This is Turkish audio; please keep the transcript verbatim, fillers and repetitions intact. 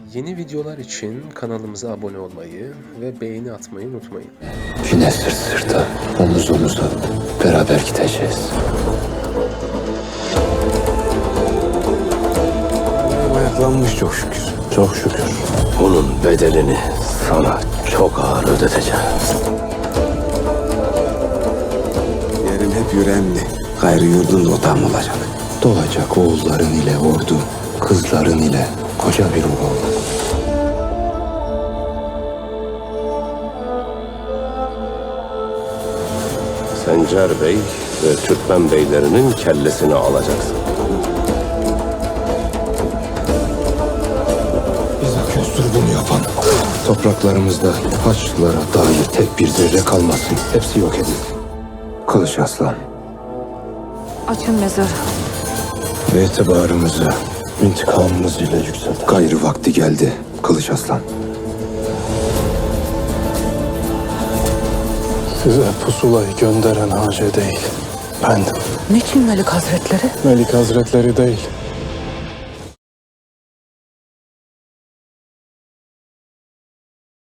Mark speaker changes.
Speaker 1: Yeni videolar için kanalımıza abone olmayı ve beğeni atmayı unutmayın.
Speaker 2: Yine sırt sırta, omuz omuza beraber gideceğiz.
Speaker 3: Ayaklanmış çok şükür.
Speaker 2: Çok şükür. Bunun bedelini sana çok ağır ödeteceğim.
Speaker 3: Yerin hep yüreğimli. Gayrı yurdunda otağım olacak.
Speaker 2: Doğacak oğulların ile ordu, kızların ile koca bir oğul. Sencer Bey ve Türkmen beylerinin kellesini alacaksın. Bize köstür bunu yapan. Topraklarımızda Haçlılara dair tek bir zerre kalmasın. Hepsi yok edin. Kılıç Aslan.
Speaker 4: Açın mezarı.
Speaker 2: Ve itibarımızı intikamımız ile yükselt. Gayrı vakti geldi Kılıç Aslan.
Speaker 5: Size pusulayı gönderen Hace değil, bendim.
Speaker 4: Niçin Melik Hazretleri?
Speaker 5: Melik Hazretleri değil,